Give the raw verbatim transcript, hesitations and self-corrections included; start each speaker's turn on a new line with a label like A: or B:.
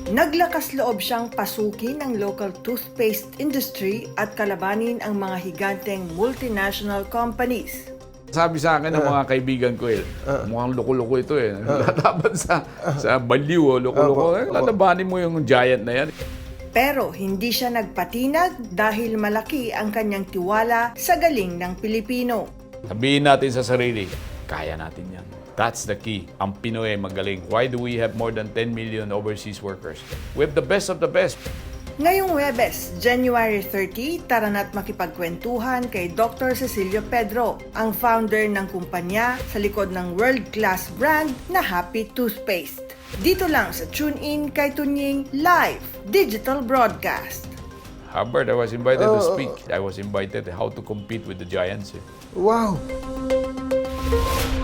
A: Naglakas loob siyang pasukin ang local toothpaste industry at kalabanin ang mga higanteng multinational companies.
B: Sabi sa akin ng mga kaibigan ko eh, mukhang loko-loko ito eh. Lalaban sa, sa baliw o loko-loko. Eh, lalabanin mo yung giant na yan.
A: Pero hindi siya nagpatinag dahil malaki ang kanyang tiwala sa galing ng Pilipino.
B: Sabihin natin sa sarili, kaya natin yan. That's the key. Ang Pinoy ay magaling. Why do we have more than ten million overseas workers? We have the best of the best.
A: Ngayong Huwebes, January thirtieth, tara na't makipagkwentuhan kay Doctor Cecilio Pedro, ang founder ng kumpanya sa likod ng world-class brand na Happy Toothpaste. Dito lang sa TuneIn kay Tunying Live Digital Broadcast.
B: Hubbard, I was invited to speak. I was invited how to compete with the giants. Eh.
C: Wow!